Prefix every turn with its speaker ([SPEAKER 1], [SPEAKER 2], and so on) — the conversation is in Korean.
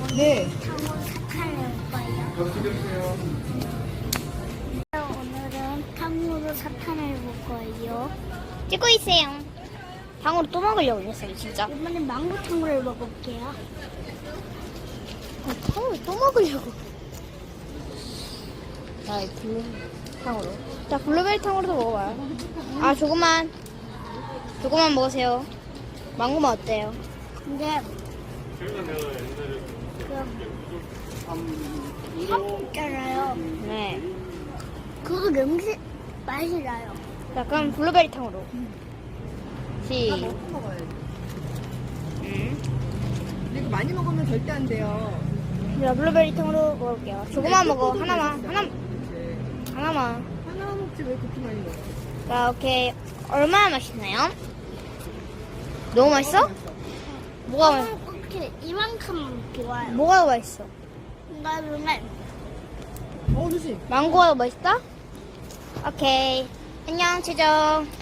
[SPEAKER 1] 네.
[SPEAKER 2] 탕후루 사탕을 먹어요. 오늘은 탕후루 사탕을 먹어요.
[SPEAKER 3] 찍고 있어요. 탕후루 또 먹으려고 그랬어요, 진짜.
[SPEAKER 2] 이번엔 망고 탕후루를 먹어볼게요.
[SPEAKER 3] 탕후루 또 먹으려고. 자, 이 탕후루. 자, 블루베리 탕후루도 먹어봐요. 아, 조금만 먹으세요. 망고맛 어때요?
[SPEAKER 2] 근데 그 있잖아요.
[SPEAKER 3] 네.
[SPEAKER 2] 그거 냄새 맛이 나요.
[SPEAKER 3] 자, 그럼 블루베리 탕후루.
[SPEAKER 1] 먹어야지. 근데 이거 많이 먹으면 절대 안 돼요.
[SPEAKER 3] 자, 블루베리 탕후루 먹을게요. 조금만 먹어. 하나만.
[SPEAKER 1] 네.
[SPEAKER 3] 하나만.
[SPEAKER 1] 하나 먹지 왜 그렇게 많이 먹어?
[SPEAKER 3] 자, 오케이. 얼마나 맛있나요? 너무 맛있어? 뭐가
[SPEAKER 2] 이렇게 이만큼 좋아요.
[SPEAKER 3] 뭐가 더 맛있어?
[SPEAKER 2] 그다음에
[SPEAKER 1] 조심.
[SPEAKER 3] 망고가 더 맛있다? 오케이. 안녕, 최정.